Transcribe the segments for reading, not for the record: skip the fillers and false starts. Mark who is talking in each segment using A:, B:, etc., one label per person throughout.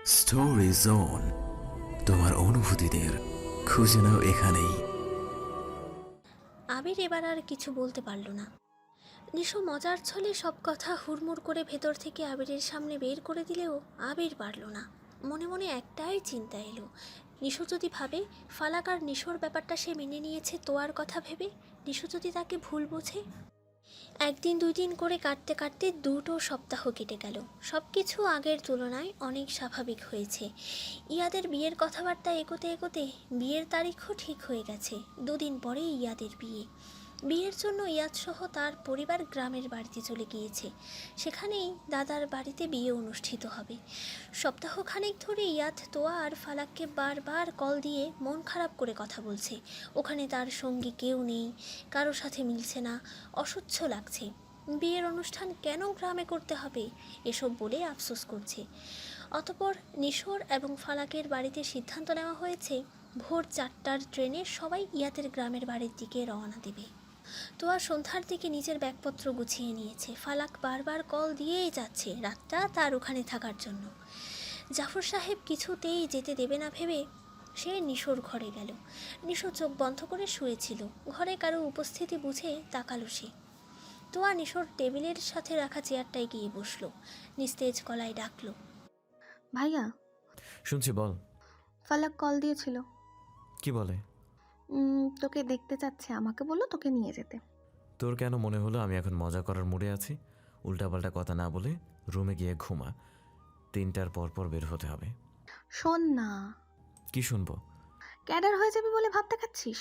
A: Story zone, তোমার অনুভূতিদের খুঁজে নাও এখানেই।
B: আবির এবার আর কিছু বলতে পারল না। নিশো মজার ছলে সব কথা হুড়মুড় করে ভেতর থেকে আবিরের সামনে বের করে দিলেও আবির পারল না। মনে মনে একটাই চিন্তা এলো, নিশো যদি ভাবে ফালাক আর নিশোর ব্যাপারটা সে মেনে নিয়েছে তোয়ার কথা ভেবে, নিশো যদি তাকে ভুল বোঝে। একদিন দুই দিন করে কাটতে কাটতে 2টো সপ্তাহ কেটে গেল। সব কিছু আগের তুলনায় অনেক স্বাভাবিক হয়েছে। ইয়াদের বিয়ের কথাবার্তা এগোতে এগোতে বিয়ের তারিখও ঠিক হয়ে গেছে। 2 দিন পরেই ইয়াদের বিয়ে। বিয়ের জন্য ইয়াদসহ তার পরিবার গ্রামের বাড়িতে চলে গিয়েছে। সেখানেই দাদার বাড়িতে বিয়ে অনুষ্ঠিত হবে। সপ্তাহখানেক ধরে ইয়াদ তোয়া আর ফালাককে বারবার কল দিয়ে মন খারাপ করে কথা বলছে। ওখানে তার সঙ্গী কেউ নেই, কারো সাথে মিলছে না, অসহ্য লাগছে। বিয়ের অনুষ্ঠান কেন গ্রামে করতে হবে এসব বলে আফসোস করছে। অতঃপর নিশোর এবং ফালাকের বাড়িতে সিদ্ধান্ত নেওয়া হয়েছে ভোর 4টার ট্রেনে সবাই ইয়াদের গ্রামের বাড়ির দিকে রওনা দেবে। তোয়া সন্ধ্যার দিকে নিজের ব্যাগপত্র গুছিয়ে নিয়েছে। ফালাক বারবার কল দিয়েই যাচ্ছে রাতটা তার ওখানে থাকার জন্য। জাফর সাহেব কিছুতেই যেতে দেবে না ভেবে সে নিশোর ঘরে গেল। নিশো চোখ বন্ধ করে শুয়েছিল। ঘরে কারো উপস্থিতি বুঝে তাকালো সে। তোয়া নিশোর টেবিলের সাথে রাখা চেয়ারটায় গিয়ে বসলো। নিস্তেজ গলায় ডাকলো,
C: ভাইয়া।
D: শুনছি, বল।
C: ফালাক কল দিয়েছিল।
D: কি বলে?
C: তোকে দেখতে চাচ্ছে, আমাকে বললো তোকে নিয়ে যেতে।
D: তোর কেন মনে হলো আমি এখন মজা করার মুডে আছি? উল্টাপাল্টা কথা না বলে রুমে গিয়ে ঘুমা। 3টার পর পর বের হতে হবে।
C: শোন না,
D: কি শুনবো?
C: ক্যাডার হয়ে যাবে বলে ভাবতে খাচ্ছিস?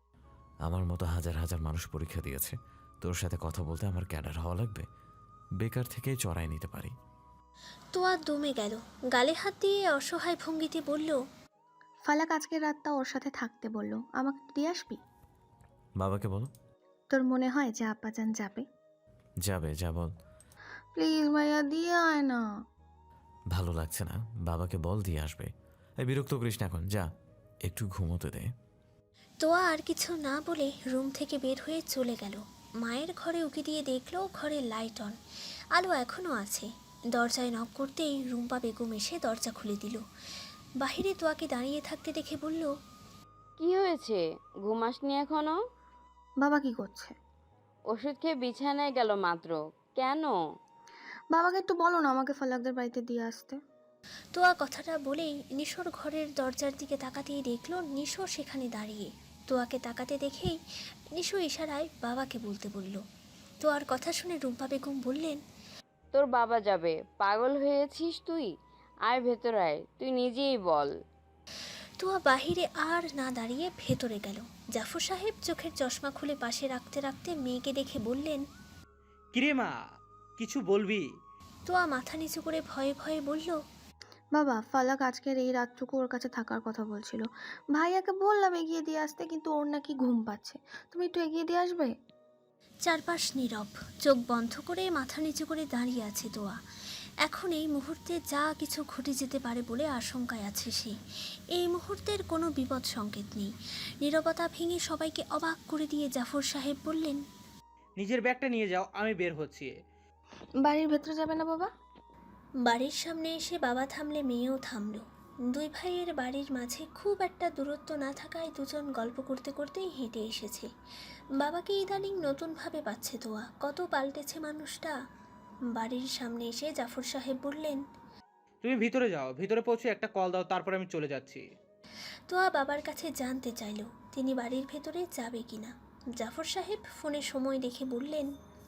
D: আমার মতো হাজার হাজার মানুষ পরীক্ষা দিয়েছে। তোর সাথে কথা বলতে আমার ক্যাডার হওয়া লাগবে? বেকার থেকেই চড়াই নিতে পারি।
B: তোয়া দমে গেল। গালে হাত দিয়ে অসহায় ভঙ্গিতে বলল,
C: ফালাক আজকের রাতটা ওর সাথে থাকতে বললো, আমাকে দিয়ে আসবি?
D: বাবাকে বলো।
C: তোর মনে হয় যে আব্বাজান যাবে?
D: যাবে, যা বল।
C: প্লিজ ভাইয়া, দিয়ে আয় না।
D: ভালো লাগছে না, বাবাকে বল দিয়ে আসবে। এই বিরক্ত করিস না এখন, যা একটু ঘুমোতে দে।
B: তোয়া আর কিছু না বলে রুম থেকে বের হয়ে চলে গেল। মায়ের ঘরে উকি দিয়ে দেখলো ঘরে লাইট অন, আলো এখনও আছে। দরজায় নক করতেই রুম্পা বেগম এসে দরজা খুলে দিল। বাহিরে তোয়াকে দাঁড়িয়ে থাকতে দেখে বলল,
E: কি হয়েছে? ঘুমাসনি এখনো?
C: বাবা কি করছে?
E: ওষুধ খেয়ে বিছানায় গেল মাত্র। কেন?
C: বাবাকে একটু বলো না আমাকে ফালাকদের বাড়িতে দিয়ে আসতে।
B: তোয়া কথাটা বলেই নিশোর ঘরের দরজার দিকে তাকাতেই দেখলো নিশো সেখানে দাঁড়িয়ে। তোয়াকে তাকাতে দেখেই নিশো ইশারায় বাবাকে বলতে বলল। তোয়ার কথা শুনে রুম্পা বেগম বললেন,
E: তোর বাবা যাবে? পাগল হয়েছিস তুই? আয় ভেতর আয়, তুই নিজেই বল।
B: তোয়া বাহিরে আর না দাঁড়িয়ে ভেতরে গেল। জাফর সাহেব চোখের চশমা খুলে পাশে রাখতে রাখতে মেয়েকে দেখে বললেন,
F: কিরে মা, কিছু বলবি?
B: তোয়া মাথা নিচু করে ভয়ে ভয়ে বলল,
C: বাবা, ফালাক আজকের এই রাতটুকু ওর কাছে থাকার কথা বলছিল। ভাইয়াকে বললাম এগিয়ে দিয়ে আসতে, কিন্তু ওর নাকি ঘুম পাচ্ছে। তুমি একটু এগিয়ে দিয়ে আসবে?
B: চারপাশ নীরব। চোখ বন্ধ করে মাথা নিচু করে দাঁড়িয়ে আছে তোয়া। এখন এই মুহূর্তে যা কিছু ঘটে যেতে পারে বলে আশঙ্কায় আছে সে। এই মুহূর্তের কোনো বিপদ সংকেত নেই। নীরবতা ভেঙে সবাইকে অবাক করে দিয়ে জাফর সাহেব বললেন,
F: নিজের ব্যাগটা নিয়ে যাও, আমি বের হচ্ছি।
C: বাড়ির ভেতরে যাবে না বাবা?
B: বাড়ির সামনে এসে বাবা থামলে মেয়েও থামল। দুই ভাইয়ের বাড়ির মাঝে খুব একটা দূরত্ব না থাকায় দুজন গল্প করতে করতেই হেঁটে এসেছে। বাবাকে ইদানিং নতুনভাবে পাচ্ছে তোয়া, কত পাল্টেছে মানুষটা। বাড়ির সামনে এসে জাফর সাহেব বললেন,
F: তুমি ভিতরে যাও, ভিতরে পৌঁছে একটা কল দাও, তারপর আমি চলে যাচ্ছি।
B: তোয়া বাবার কাছে জানতে চাইল তিনি বাড়ির ভেতরে যাবে কিনা। জাফর সাহেব ফোনে সময় দেখে বললেন,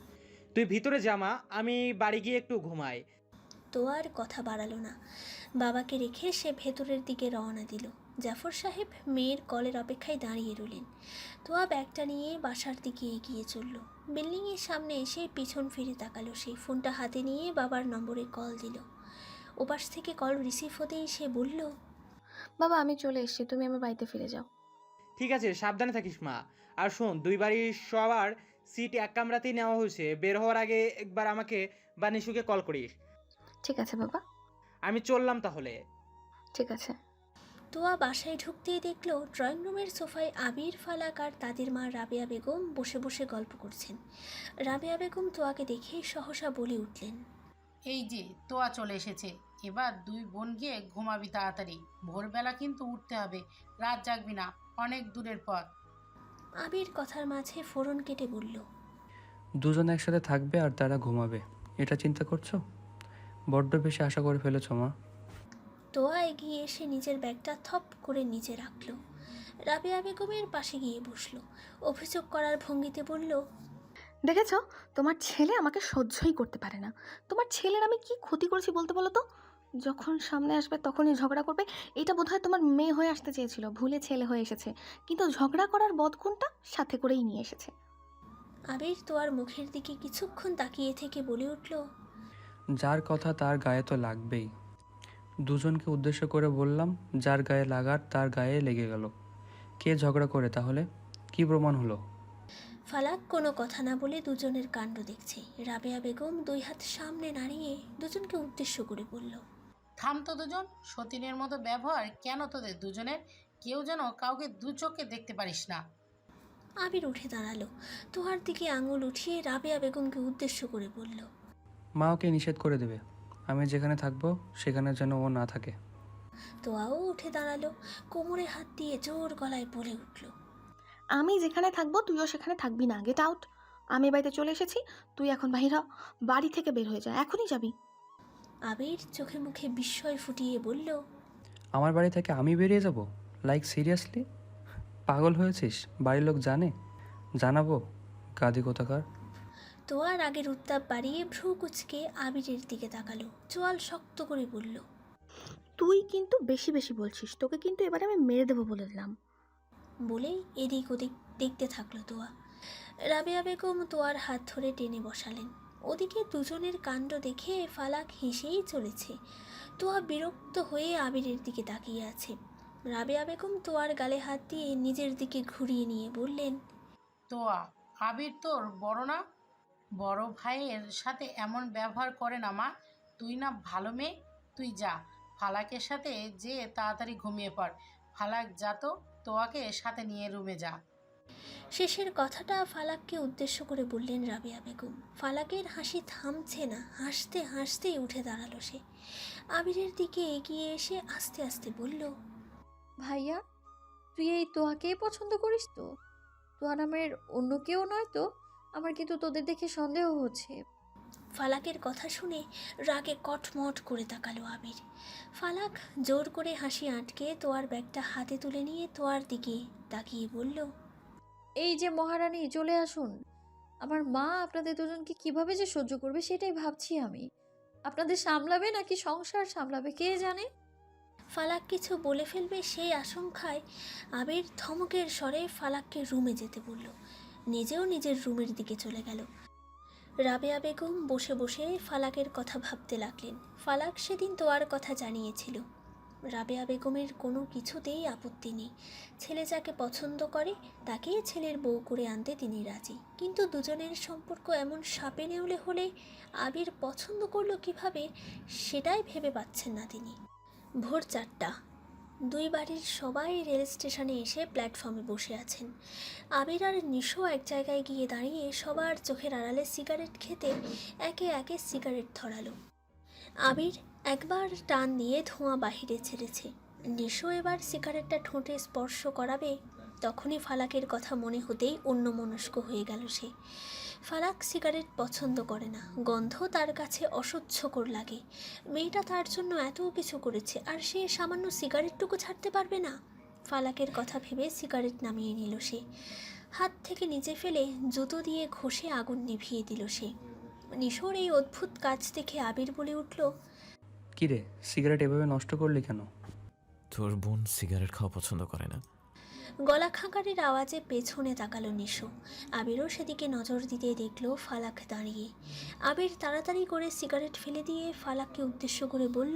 F: তুই ভিতরে জামা, আমি বাড়ি গিয়ে একটু ঘুমাই।
B: তোয়ার কথা বাড়ালো না। বাবাকে রেখে সে ভেতরের দিকে রওনা দিল। জাফর সাহেব মেয়ের কলের অপেক্ষায় দাঁড়িয়ে রইলেন। তোয়া ব্যাগটা নিয়ে বাসার দিকে এগিয়ে চলল। বিল্ডিংয়ের সামনে এসে পিছন ফিরে তাকালো সে। ফোনটা হাতে নিয়ে বাবার নম্বরে কল দিল। ওপাশ থেকে কল রিসিভ হতেই সে বলল,
C: বাবা, আমি চলে এসেছি, তুমি আমার বাড়িতে ফিরে যাও।
F: ঠিক আছে, সাবধানে থাকিস মা। আর শোন, দুই বাড়ির সবার সিট এক কামরাতেই নেওয়া হয়েছে। বের হওয়ার আগে একবার আমাকে বা নিশুকে কল করিস।
C: ঠিক আছে বাবা।
F: আমি চললাম তাহলে।
C: ঠিক আছে।
B: তোয়া বাসায় ঢুকতেই দেখলো ড্রয়িং রুমের সোফায় আবির, ফালাক আর তাদের মা রাবেয়া বেগম বসে বসে গল্প করছেন। রাবেয়া বেগম তোয়াকে দেখে সহসা বলে উঠলেন,
G: এই যে তোয়া চলে এসেছে, এবার দুই বোন গিয়ে ঘুমাবি তাড়াতাড়ি, ভোরবেলা কিন্তু উঠতে হবে, রাত জাগবি না, অনেক দূরের পথ।
B: আবির কথার মাঝে ফোড়ন কেটে বলল,
H: দুজন একসাথে থাকবে আর তারা ঘুমাবে, এটা চিন্তা করছো? বড্ড বেশি আশা করে ফেলেছো মা।
B: তোয়া এগিয়ে এসে নিজের ব্যাগটা থপ করে নিচে রাখলো। রাবেয়া বেগমের পাশে গিয়ে বসলো। অভিযোগ করার ভঙ্গিতে বলল,
C: দেখেছো, তোমার ছেলে আমাকে সহ্যই করতে পারে না। তোমার ছেলের আমি কি ক্ষতি করেছি বলতে বলো তো? যখন সামনে আসবে তখনই ঝগড়া করবে। এটা বোধহয় তোমার মেয়ে হয়ে আসতে চেয়েছিল, ভুলে ছেলে হয়ে এসেছে, কিন্তু ঝগড়া করার বদগুণটা সাথে করেই নিয়ে এসেছে।
B: আবির তোয়ার মুখের দিকে কিছুক্ষণ তাকিয়ে থেকে বলে উঠল,
H: যার কথা তার গায়ে তো লাগবেই। দুজনকে উদ্দেশ্য করে বললাম, যার গায়ে লাগার তার গায়ে লেগে গেল। কে ঝগড়া করে তাহলে? কি প্রমাণ হলো?
B: ফালাক কোনো কথা না বলে দুজনের কাণ্ড দেখছে। রাবেয়া বেগম দুই হাত সামনে নাড়িয়ে দুজনকে উদ্দেশ্য করে বলল,
G: থাম তো দুজন, সতীনের মতো ব্যবহার কেন তোদের দুজনের? কেউ যেন কাউকে দু চোখে দেখতে পারিস না।
B: আবির উঠে দাঁড়ালো। তোহার দিকে আঙুল উঠিয়ে রাবেয়া বেগমকে উদ্দেশ্য করে বলল,
H: মা ওকে নিষেধ করে দেবে, আমি যেখানে থাকবো সেখানে যেন ও না থাকে।
B: তোয়াও উঠে দাঁড়ালো। কোমরে হাত দিয়ে জোর গলায় বলে উঠল,
C: আমি যেখানে থাকবো তুইও সেখানে থাকবি না, গেট আউট। আমি বাড়িতে চলে এসেছি, তুই এখন বাহির হ, বাড়ি থেকে বের হয়ে যা, এখনই যাবি?
B: আবির চোখে মুখে বিস্ময় ফুটিয়ে বলল,
H: আমার বাড়ি থেকে আমি বেরিয়ে যাব? Like seriously? পাগল হয়েছিস? বাড়ির লোক জানে? জানাবো, গাদি কোথাকার।
B: তোয়ার আগের উত্তাপ বাড়িয়ে ভ্রু কুচকে আবিরের দিকে তাকালো। চোয়াল শক্ত করে বলল,
C: তুই কিন্তু বেশি বেশি বলছিস, তোকে কিন্তু এবারে আমি মেরে দেবো বলে দিলাম।
B: বলেই এদিক ওদিক দেখতে থাকলো তোয়া। রাবেয়া বেগম তোয়ার হাত ধরে টেনে বসালেন। ওদিকে দুজনের কাণ্ড দেখে ফালাক হেসেই চলেছে। তোয়া বিরক্ত হয়ে আবিরের দিকে তাকিয়ে আছে। রাবেয়া বেগম তোয়ার গালে হাত দিয়ে নিজের দিকে ঘুরিয়ে নিয়ে বললেন,
G: তোয়া, আবির তোর বড় না? বড় ভাইয়ের সাথে এমন ব্যবহার করে না মা। তুই না ভালো মেয়ে, তুই যা ফালাকের সাথে যে তাড়াতাড়ি ঘুমিয়ে পড়। ফালাক যা তো, তোয়াকে সাথে নিয়ে রুমে যা।
B: শেষের কথাটা ফালাককে উদ্দেশ্য করে বললেন রাবেয়া বেগম। ফালাকের হাসি থামছে না, হাসতে হাসতেই উঠে দাঁড়ালো সে। আবিরের দিকে এগিয়ে এসে আস্তে আস্তে বলল,
I: ভাইয়া, তুই এই তোহাকেই পছন্দ করিস তো? তোহা নামের অন্য কেউ নয় তো? আমার কিন্তু তোদের দেখে সন্দেহ হচ্ছে।
B: ফালাকের কথা শুনে রাগে কটমট করে তাকালো আবির। ফালাক জোর করে হাসি আটকে তোয়ার ব্যাগটা হাতে তুলে নিয়ে তোয়ার দিকে তাকিয়ে বলল,
I: এই যে মহারানী, চলে আসুন। আমার মা আপনাদের দুজনকে কিভাবে যে সহ্য করবে সেটাই ভাবছি আমি। আপনাদের সামলাবে নাকি সংসার সামলাবে কে জানে।
B: ফালাক কিছু বলে ফেলবে সেই আশঙ্কায় আবির ধমকের স্বরে ফালাককে রুমে যেতে বলল। নিজেও নিজের রুমের দিকে চলে গেল। রাবেয়া বেগম বসে বসে ফালাকের কথা ভাবতে লাগলেন। ফালাক সেদিন তোয়ার কথা জানিয়েছিল। রাবেয়া বেগমের কোনো কিছুতেই আপত্তি নেই। ছেলে যাকে পছন্দ করে তাকেই ছেলের বউ করে আনতে তিনি রাজি। কিন্তু দুজনের সম্পর্ক এমন সাপে নেউলে হলে আবির পছন্দ করলো কিভাবে, সেটাই ভেবে পাচ্ছেন না তিনি। ভোর 4টা। দুই বাড়ির সবাই রেল স্টেশনে এসে প্ল্যাটফর্মে বসে আছেন। আবির আর নিশো এক জায়গায় গিয়ে দাঁড়িয়ে সবার চোখের আড়ালে সিগারেট খেতে একে একে সিগারেট ধরালো। আবির একবার টান দিয়ে ধোঁয়া বাহিরে ছেড়েছে। নিশো এবার সিগারেটটা ঠোঁটে স্পর্শ করাবে, তখনই ফালাকের কথা মনে হতেই অন্যমনস্ক হয়ে গেল সে। ফালাক সিগারেট পছন্দ করে না, গন্ধ তার কাছে অসহ্যকর লাগে। মেয়েটা তার জন্য এত কিছু করেছে আর সে সামান্য সিগারেটটুকু ছাড়তে পারবে না। ফালাকের কথা ভেবে সিগারেট নামিয়ে নিল সে। হাত থেকে নিচে ফেলে জুতো দিয়ে ঘষে আগুন নিভিয়ে দিল সে। নিশোর এই অদ্ভুত কাজ দেখে আবির বলে উঠল,
H: কিরে, সিগারেট এভাবে নষ্ট করলি কেন?
D: তোর বোন সিগারেট খাওয়া পছন্দ করে না।
B: গলা খাঁকারের আওয়াজে পেছনে তাকালো নিশো। আবিরও সেদিকে নজর দিতে দেখল ফালাক দাঁড়িয়ে। আবির তাড়াতাড়ি করে সিগারেট ফেলে দিয়ে ফালাককে উদ্দেশ্য করে বলল,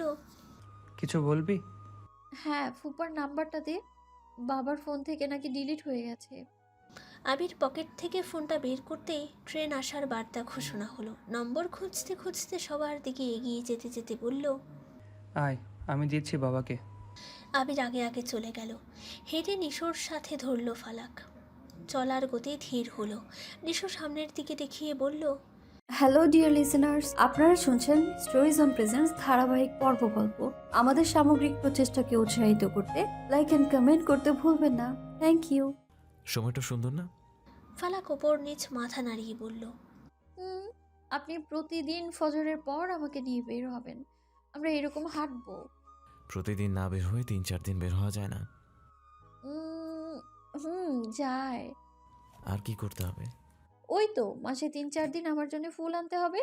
H: কিছু বলবি?
I: হ্যাঁ, ফুপার নাম্বারটা দে, বাবার ফোন থেকে নাকি ডিলিট হয়ে গেছে।
B: আবির পকেট থেকে ফোনটা বের করতেই ট্রেন আসার বার্তা ঘোষণা হলো। নম্বর খুঁজতে খুঁজতে সবার দিকে এগিয়ে যেতে যেতে বলল,
H: আয়, আমি দিচ্ছি বাবাকে।
B: আবির আগে আগে চলে গেল। হেঁটে নিশোর সাথে ধরল ফালাক। চলার গতি ধীর হলো। নিশো সামনের দিকে দেখিয়ে বলল,
I: হ্যালো ডিয়ার লিসেনার্স, আপনারা শুনছেন স্টোরিজ অন প্রেজেন্স ধারাবাহিক পর্ব গল্প। আমাদের সামগ্রিক প্রচেষ্টাকে উৎসাহিত করতে লাইক অ্যান্ড কমেন্ট করতে ভুলবেন না। Thank you.
D: সময়টা সুন্দর না?
B: ফালাক ওপর নিচ মাথা নাড়িয়ে বলল,
I: আপনি প্রতিদিন ফজরের পর আমাকে নিয়ে বের হবেন, আমরা এরকম হাঁটবো।
D: প্রতিদিন না বের হয়ে 3-4 দিন বের হওয়া যায় না?
I: যায়।
D: আর কি করতে হবে?
I: ওই তো মাসে 3-4 দিন আমার জন্য ফুল আনতে হবে।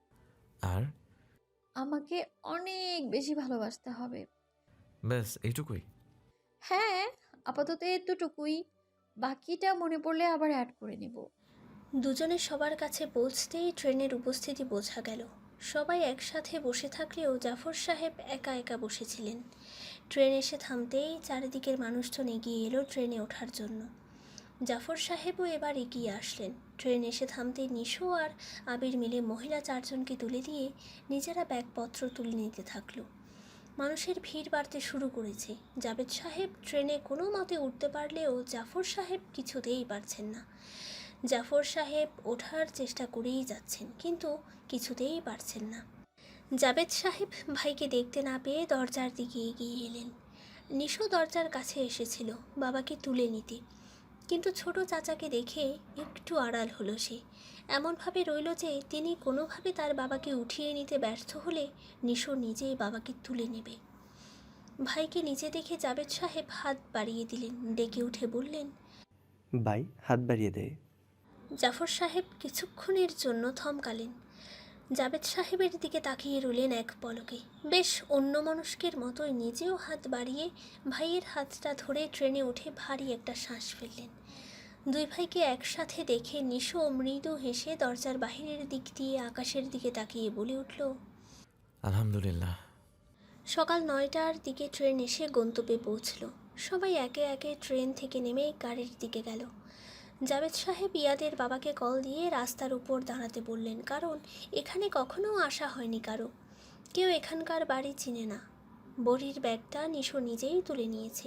D: আর
I: আমাকে অনেক বেশি ভালোবাসতে হবে।
D: ব্যাস এইটুকুই?
I: হ্যাঁ, আপাতত এতটুকুই, বাকিটা মনে পড়লে আবার অ্যাড করে নেব।
B: দুজনে সবার কাছে পৌঁছতেই ট্রেনের উপস্থিতি বোঝা গেল। সবাই একসাথে বসে থাকলেও জাফর সাহেব একা একা বসেছিলেন। ট্রেন এসে থামতেই চারিদিকের মানুষজন এগিয়ে এলো ট্রেনে ওঠার জন্য। জাফর সাহেবও এবার এগিয়ে আসলেন। ট্রেন এসে থামতেই নিশো আর আবির মিলে মহিলা 4 জনকে তুলে দিয়ে নিজেরা ব্যাগপত্র তুলে নিতে থাকলো। মানুষের ভিড় বাড়তে শুরু করেছে। জাবেদ সাহেব ট্রেনে কোনো মতে উঠতে পারলেও জাফর সাহেব কিছুতেই পারছেন না। জাফর সাহেব ওঠার চেষ্টা করেই যাচ্ছেন, কিন্তু কিছুতেই পারছেন না। জাবেদ সাহেব ভাইকে দেখতে না পেয়ে দরজার দিকে এগিয়ে এলেন। নিশো দরজার কাছে এসেছিল বাবাকে তুলে নিতে, কিন্তু ছোট চাচাকে দেখে একটু আড়াল হলো সে। এমনভাবে রইল যে তিনি কোনোভাবে তার বাবাকে উঠিয়ে নিতে ব্যর্থ হলে নিশো নিজেই বাবাকে তুলে নেবে। ভাইকে নিচে দেখে জাবেদ সাহেব হাত বাড়িয়ে দিলেন, ডেকে উঠে বললেন,
J: ভাই হাত বাড়িয়ে দে।
B: জাফর সাহেব কিছুক্ষণের জন্য থমকালেন। জাবেদ সাহেবের দিকে তাকিয়ে রইলেন এক পলকে। বেশ অন্যমনস্কের মতোই নিজেও হাত বাড়িয়ে ভাইয়ের হাতটা ধরে ট্রেনে উঠে ভারী একটা শ্বাস ফেললেন। দুই ভাইকে একসাথে দেখে নিশো মৃদু হেসে দরজার বাহিরের দিক দিয়ে আকাশের দিকে তাকিয়ে বলে উঠল,
D: আলহামদুলিল্লাহ।
B: সকাল 9টার দিকে ট্রেন এসে গন্তব্যে পৌঁছল। সবাই একে একে ট্রেন থেকে নেমে গাড়ির দিকে গেল। জাবেদ সাহেব ইয়াদের বাবাকে কল দিয়ে রাস্তার উপর দাঁড়াতে বললেন, কারণ এখানে কখনো আসা হয়নি কারো, কেউ এখানকার বাড়ি চিনে না। বড়ির ব্যাগটা নিশো নিজেই তুলে নিয়েছে।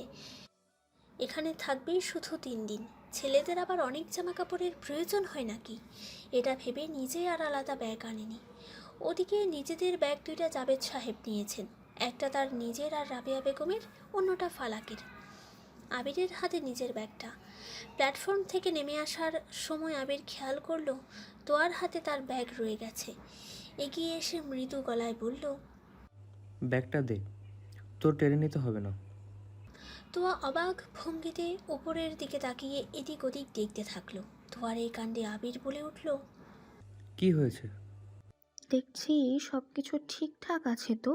B: এখানে থাকবে শুধু 3 দিন। ছেলেদের আবার অনেক জামা কাপড়ের প্রয়োজন হয় নাকি, এটা ভেবে নিজে আর আলাদা ব্যাগ আনেনি। ওদিকে নিজেদের ব্যাগ 2টা জাবেদ সাহেব নিয়েছেন, একটা তার নিজের আর রাবেয়া বেগমের, অন্যটা ফালাকের। আবিরের হাতে নিজের ব্যাগটা। প্ল্যাটফর্ম থেকে নেমে আসার সময় আবির খেয়াল করলো তোয়ার হাতে তার ব্যাগ রয়ে গেছে। এগিয়ে এসে মৃদু গলায় বলল,
H: ব্যাগটা দে, তোর টেনে নিতে হবে না।
B: তোয়া অবাক ভঙ্গিতে উপরের দিকে তাকিয়ে এদিক ওদিক দেখতে থাকলো। তোয়ার এই কাণ্ডে আবির বলে উঠল,
H: কি হয়েছে?
C: দেখছি সব কিছু ঠিকঠাক আছে তো।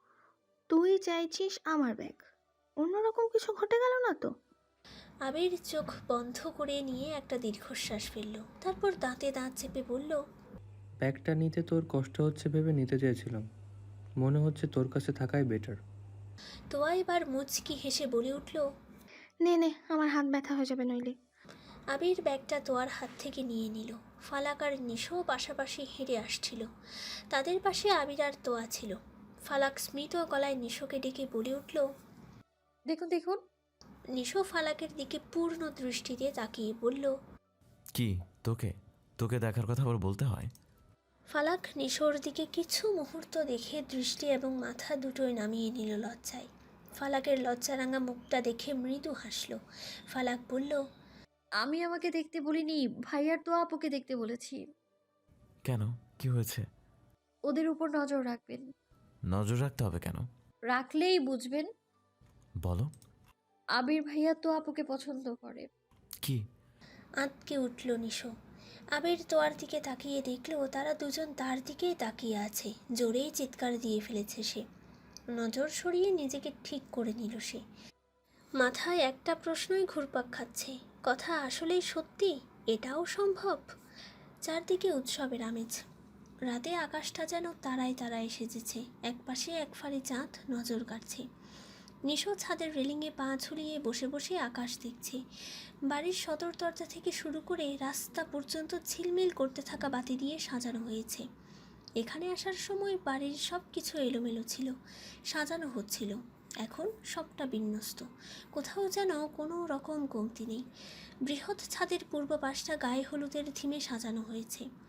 C: তুই চাইছিস আমার ব্যাগ, অন্যরকম কিছু ঘটে গেল না তো?
B: আবির চোখ বন্ধ করে নিয়ে একটা দীর্ঘশ্বাস ফেলল, তারপর দাঁতে দাঁত চেপে বলল,
H: ব্যাগটা নিতে তোর কষ্ট হচ্ছে ভেবে নিতে চেয়েছিলাম, মনে হচ্ছে তোর কাছে থাকাই বেটার।
B: তোয়া এবার মুচকি হেসে বলে উঠল,
C: নে নে, আমার হাত ব্যথা হয়ে যাবে নইলে।
B: আবির ব্যাগটা তোয়ার হাত থেকে নিয়ে নিল। ফালাক আর নিশো পাশাপাশি হেঁটে আসছিল। তাদের পাশে আবির আর তোয়া ছিল। ফালাক স্মিত গলায় নিশোকে ডেকে বলে উঠল,
I: দেখুন দেখুন।
B: নিশো ফালাকের দিকে পূর্ণ দৃষ্টিতে তাকিয়ে বলল,
D: কি তোকে তোকে দেখার কথা আবার বলতে হয়?
B: ফালাক নিশোর দিকে কিছু মুহূর্ত দেখে দৃষ্টি এবং মাথা দুটোই নামিয়ে নিল লজ্জায়। ফালাকের লজ্জারাঙা মুখটা দেখে মৃদু হাসল। ফালাক বলল,
I: আমি আমাকে দেখতে বলিনি, ভাইয়ার তো আপুকে দেখতে বলেছি।
D: কেন, কি হয়েছে?
I: ওদের উপর নজর রাখবেন।
D: নজর রাখতে হবে কেন?
I: রাখলেই বুঝবেন।
D: বলো।
I: আবির ভাইয়া তো আপুকে পছন্দ করে।
D: কি?
B: আঁতকে উঠল নিশো। আবির তোয়ার দিকে তাকিয়ে দেখল তারা দুজন তার দিকেই তাকিয়ে আছে। জোরেই চিৎকার দিয়ে ফেলেছে সে। নজর সরিয়ে নিজেকে ঠিক করে নিল সে। মাথায় একটা প্রশ্নই ঘুরপাক খাচ্ছে, কথা আসলেই সত্যি? এটাও সম্ভব? চারদিকে উৎসবের আমেজ। রাতে আকাশটা যেন তারায় তারায় সেজেছে। একপাশে এক ফালি চাঁদ নজর কাটছে। নিশো ছাদের রেলিংয়ে পা ঝুলিয়ে বসে বসে আকাশ দেখছে। বাড়ির সদর দরজা থেকে শুরু করে রাস্তা পর্যন্ত ঝিলমিল করতে থাকা বাতি দিয়ে সাজানো হয়েছে। এখানে আসার সময় বাড়ির সব কিছু এলোমেলো ছিল, সাজানো হচ্ছিল। এখন সবটা বিন্যস্ত, কোথাও যেন কোনো রকম কমতি নেই। বৃহৎ ছাদের পূর্ব পাশটা গায়ে হলুদের থিমে সাজানো হয়েছে।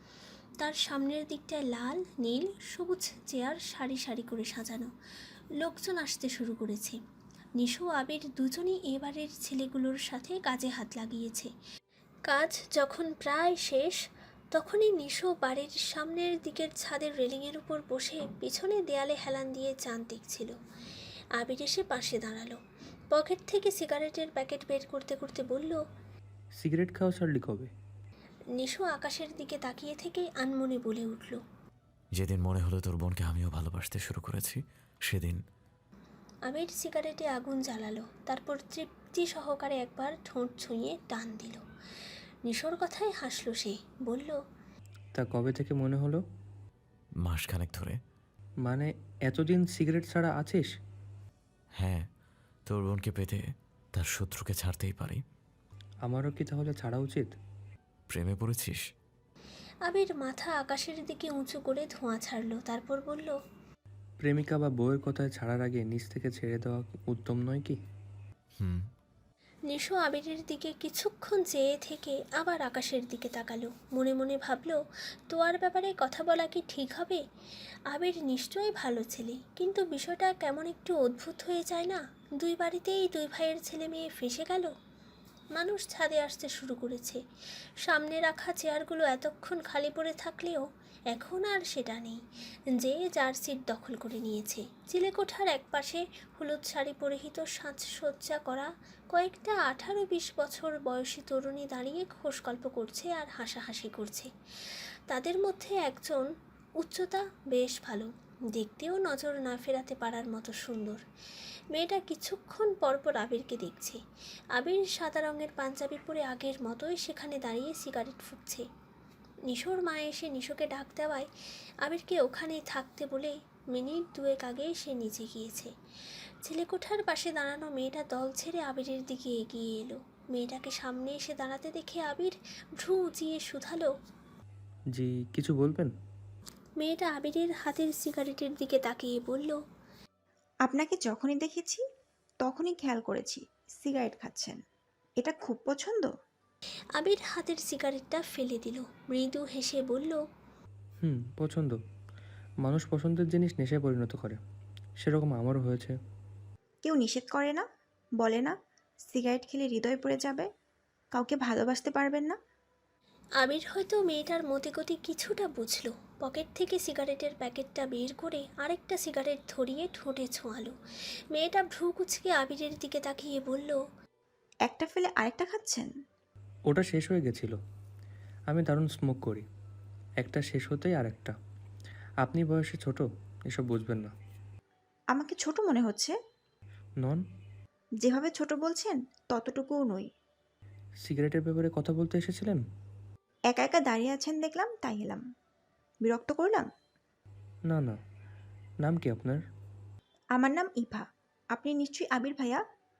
B: তার সামনের দিকটায় লাল, নীল, সবুজ চেয়ার সারি সারি করে সাজানো। লোকজন আসতে শুরু করেছে। নিশো আবির দুজনই এবারের ছেলেগুলোর সাথে কাজে হাত লাগিয়েছে। কাজ যখন প্রায় শেষ, তখনই নিশো বাড়ির সামনের দিকের ছাদের রেলিংয়ের উপর বসে পিছনে দেয়ালে হেলান দিয়ে চাঁদ দেখছিল। আবির এসে পাশে দাঁড়ালো। পকেট থেকে সিগারেটের প্যাকেট বের করতে করতে বলল,
H: সিগারেট খাওয়া ছাড়লি কবে?
B: নিশো আকাশের দিকে তাকিয়ে থেকেই আনমনে বলে উঠল,
D: যেদিন মনে হলো তোর বোনকে আমিও ভালোবাসতে শুরু করেছি সেদিন।
B: আবির সিগারেটে আগুন জ্বালালো, তারপর তৃপ্তি সহকারে একবার ঠোঁট ছুঁয়ে টান দিল। নিশোর কথায় হাসলো সে, বলল,
H: তা কবে থেকে মনে হলো?
D: মাসখানেক ধরে।
H: মানে এতদিন সিগারেট ছাড়া আছিস?
D: হ্যাঁ, তোর বোনকে পেতে তার শত্রুকে ছাড়তেই পারি।
H: আমারও কি তাহলে ছাড়া উচিত?
D: প্রেমে পড়েছিস?
B: আবির মাথা আকাশের দিকে উঁচু করে ধোঁয়া ছাড়লো, তারপর বলল,
H: প্রেমিকা বা বউয়ের কথায় ছাড়ার আগে নিজ থেকে ছেড়ে দেওয়া উত্তম নয় কি?
D: হুম।
B: নিশো আবিরের দিকে কিছুক্ষণ চেয়ে থেকে আবার আকাশের দিকে তাকালো। মনে মনে ভাবলো, তোয়ার ব্যাপারে কথা বলা কি ঠিক হবে? আবির নিশ্চয়ই ভালো ছেলে, কিন্তু বিষয়টা কেমন একটু অদ্ভুত হয়ে যায় না? দুই বাড়িতেই দুই ভাইয়ের ছেলে মেয়ে ফেঁসে গেল। মানুষ ছাদে আসতে শুরু করেছে। সামনে রাখা চেয়ারগুলো এতক্ষণ খালি পড়ে থাকলেও এখন আর সেটা নেই। যে যার সিট দখল করে নিয়েছে। চিলেকোঠার একপাশে হলুদ শাড়ি পরিহিত সাজসজ্জা করা কয়েকটা 18-20 বছর বয়সী তরুণী দাঁড়িয়ে খোশগল্প করছে আর হাসাহাসি করছে। তাদের মধ্যে একজন উচ্চতা বেশ ভালো, দেখতেও নজর না ফেরাতে পারার মতো সুন্দর। মেয়েটা কিছুক্ষণ পরপর আবিরকে দেখছে। আবির সাদা রঙের পাঞ্জাবি পরে আগের মতোই সেখানে দাঁড়িয়ে সিগারেট ফুঁকছে। নিশোর মা এসে নিশোকে ডাক দেওয়ায় আবিরকে ওখানেই থাকতে বলে মিনিট দুয়েক আগে সে নিচে গিয়েছে। ছেলেকোঠার পাশে দাঁড়ানো মেয়েটা দল ছেড়ে আবিরের দিকে এগিয়ে এলো। মেয়েটাকে সামনে এসে দাঁড়াতে দেখে আবির ভ্রু উঁচিয়ে শুধালো,
H: জি, কিছু বলবেন?
B: মেয়েটা আবিরের হাতের সিগারেটের দিকে তাকিয়ে বলল,
K: আপনাকে যখনই দেখেছি তখনই খেয়াল করেছি সিগারেট খাচ্ছেন। এটা খুব পছন্দ।
B: আবির হাতের সিগারেটটা ফেলে দিল, মৃদু হেসে বলল,
H: পছন্দ। মানুষ পছন্দের জিনিস নেশায় পরিণত করে, সেরকম আমারও হয়েছে।
K: কেউ নিষেধ করে না, বলে না সিগারেট খেলে হৃদয় পড়ে যাবে, কাউকে ভালোবাসতে পারবেন না।
B: আবির হয়তো মেয়েটার মতিগতি কিছুটা বুঝল। পকেট থেকে সিগারেটের প্যাকেটটা বের করে আরেকটা সিগারেট ধরিয়ে ঠোঁটে ছোঁয়ালো। মেয়েটা ভ্রু কুচকে আবিরের দিকে তাকিয়ে বলল,
K: একটা ফেলে আরেকটা খাচ্ছেন?
H: ওটা শেষ হয়ে গেছিল। আমি দারুণ স্মোক করি, একটা শেষ হতেই আর একটা। আপনি বয়সে ছোট, এসব বুঝবেন না।
K: আমাকে ছোট মনে হচ্ছে?
H: নন।
K: যেভাবে ছোট বলছেন ততটুকুও নই।
H: সিগারেটের ব্যাপারে কথা বলতে এসেছিলেন?
K: একা একা দাঁড়িয়ে আছেন দেখলাম, তাই এলাম। বিরক্ত করলাম?
H: না না। নাম কি আপনার?
K: আমার নাম ইভা। আপনি নিশ্চয়ই আবির ভাইয়া?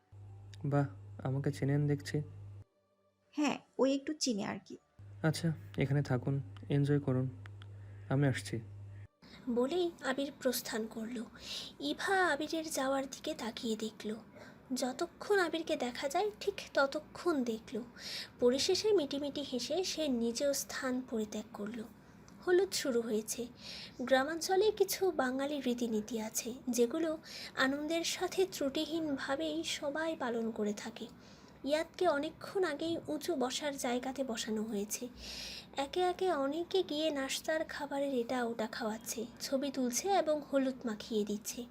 H: বাহ, আমাকে চেনেন দেখছি।
K: হ্যাঁ, ওই একটু চিনি আর কি।
H: আচ্ছা, এখানে থাকুন, এনজয় করুন, আমি আসছি।
B: বলেই আবির প্রস্থান করলো। ইভা আবিরের যাওয়ার দিকে তাকিয়ে দেখল। যতক্ষণ আবিরকে দেখা যায় ঠিক ততক্ষণ দেখল। পরিশেষে মিটিমিটি হেসে সে নিজেও স্থান পরিত্যাগ করলো। হলুদ শুরু হয়েছে। গ্রামাঞ্চলে কিছু বাঙালি রীতিনীতি আছে যেগুলো আনন্দের সাথে ত্রুটিহীনভাবেই সবাই পালন করে থাকে। ইয়াদকে অনেকক্ষণ আগেই উঁচু বসার জায়গাতে বসানো হয়েছে। একে একে অনেকে গিয়ে নাস্তার খাবারের এটা ওটা খাওয়াচ্ছে, ছবি তুলছে এবং হলুদ মাখিয়ে দিচ্ছে।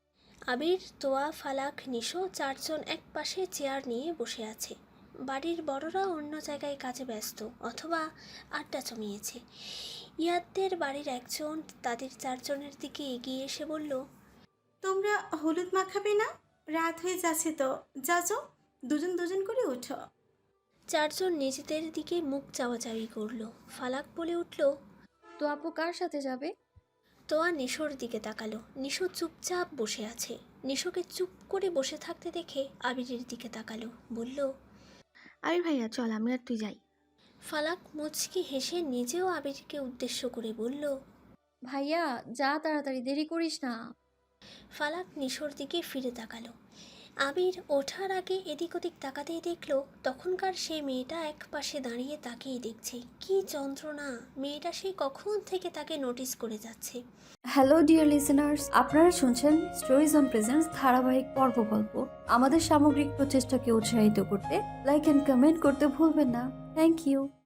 B: আবির, তোয়া, ফালাক, নিশো চারজন এক পাশে চেয়ার নিয়ে বসে আছে। বাড়ির বড়রা অন্য জায়গায় কাজে ব্যস্ত অথবা আড্ডা জমিয়েছে। ইয়াদদের বাড়ির একজন তাদের চারজনের দিকে এগিয়ে এসে বলল,
L: তোমরা হলুদ মাখাবে না? রাত হয়ে যাচ্ছে তো, যাও দুজন দুজন করে ওঠো।
B: চারজন নিজেদের দিকে মুখ চাওয়াচাওয়ি করলো। ফালাক বলে উঠল,
I: তো আপু কার সাথে যাবে?
B: তোয়া নিশোর দিকে তাকালো। নিশো চুপচাপ বসে আছে। নিশোকে চুপ করে বসে থাকতে দেখে আবিরের দিকে তাকালো, বলল,
C: আবির ভাইয়া চল, আমি আর তুই যাই।
B: ফালাক মুচকি হেসে নিজেও আবিরকে উদ্দেশ্য করে বলল,
I: ভাইয়া যা, তাড়াতাড়ি, দেরি করিস না।
B: ফালাক নিশোর দিকে ফিরে তাকালো। আবির ওঠার আগে এদিক ওদিক তাকাতেই দেখলো তখনকার সেই মেয়েটা এক পাশে দাঁড়িয়ে তাকিয়ে দেখছে। কি যন্ত্রণা! মেয়েটা সেই কখন থেকে তাকে নোটিস করে যাচ্ছে।
I: হ্যালো ডিয়ার লিসেনার্স, আপনারা শুনছেন স্টোরিজ অন প্রেজেন্স ধারাবাহিক পর্ব গল্প। আমাদের সামগ্রিক প্রচেষ্টাকে উৎসাহিত করতে লাইক এন্ড কমেন্ট করতে ভুলবেন না। Thank you.